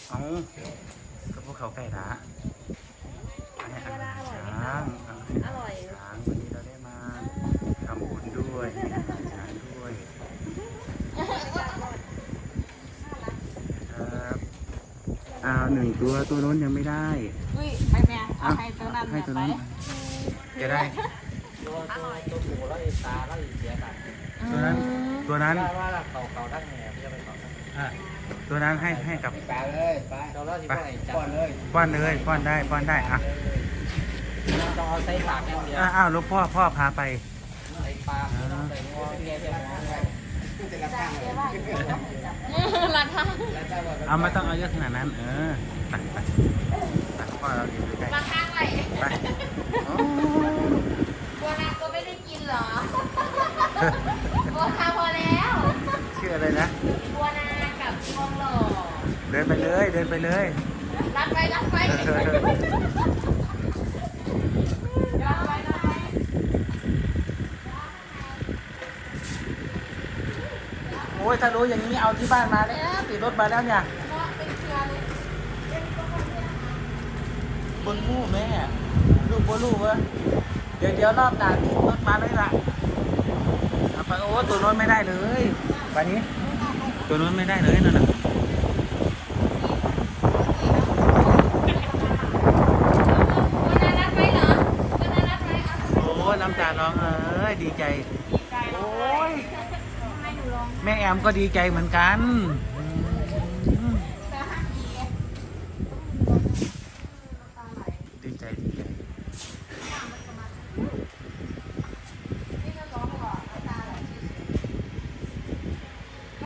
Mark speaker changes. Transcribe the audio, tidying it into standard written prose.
Speaker 1: เอาก็พวกเขาไก่ละอันนี้อาหารช้าง
Speaker 2: อร่อย
Speaker 1: ช้างวันนี้เราได้มาทำบุญด้วยให้อาหารช้างด้วยครับหนึ่งตัวโน้นยังไม่ได้
Speaker 2: อุ้ยไปแม่เอาให้ตัวนั้น
Speaker 1: ให้ตัว
Speaker 2: ไป
Speaker 1: นั้นจะได้
Speaker 3: ตัวหมูแล้วอีตาแล้วอีเสียกัน
Speaker 1: ตัวนั้น
Speaker 3: ว่าเขาทั้งแหน่พี่จะไปเขาทั้ง
Speaker 1: ตัวนั้นให้กับ
Speaker 3: ไปเลยไปเราแล้วที่ไปจับก่อนเลย
Speaker 1: ป้อนเลยป้อนได้อ่ะ
Speaker 3: ต้องเอาใส่ปากอย่างเดียว
Speaker 1: อ้าวลูกพ่อพาไป
Speaker 3: ใส่ปากต้องใส่งอแงเสียงงอเลย
Speaker 2: ราคา
Speaker 1: เอาไม่ต้องเอาเยอะขนาดนั้นไปพ่อเราอยู่ใกล้
Speaker 2: ราคาไหน
Speaker 1: ไปอ๋อ
Speaker 2: บัวนาก็ไม่ได้กินเหรอบัวนาพอแล้ว
Speaker 1: ชื่ออะไรนะ
Speaker 2: บัวนากับทองหล่อ
Speaker 1: เดินไปเลย
Speaker 2: รับไปรับไป
Speaker 1: โอ้ยถ้ารู้อย่างนี้เอาที่บ้านมาแล้วติดรถมาแล้วเนี่ย
Speaker 2: เป็นเครือเลย
Speaker 1: บนมู่แม่ลูกวะเดี๋ยวรอบหน้าติดรถมาเลยล่ะเอาไปโอ้ตัวโน้นไม่ได้เลยไปนี้ตัวโน้นไม่ได้เลยนั่นน่ะ
Speaker 2: บัวนารับไปเหรอบัวนารับไปเอา
Speaker 1: โอ้น้ำตาร้องดีใจ
Speaker 2: ดีใจ
Speaker 1: โอ้ย
Speaker 2: ทำไมหนูร้อง
Speaker 1: แม่แอมก็ดีใจเหมือนกัน
Speaker 2: เ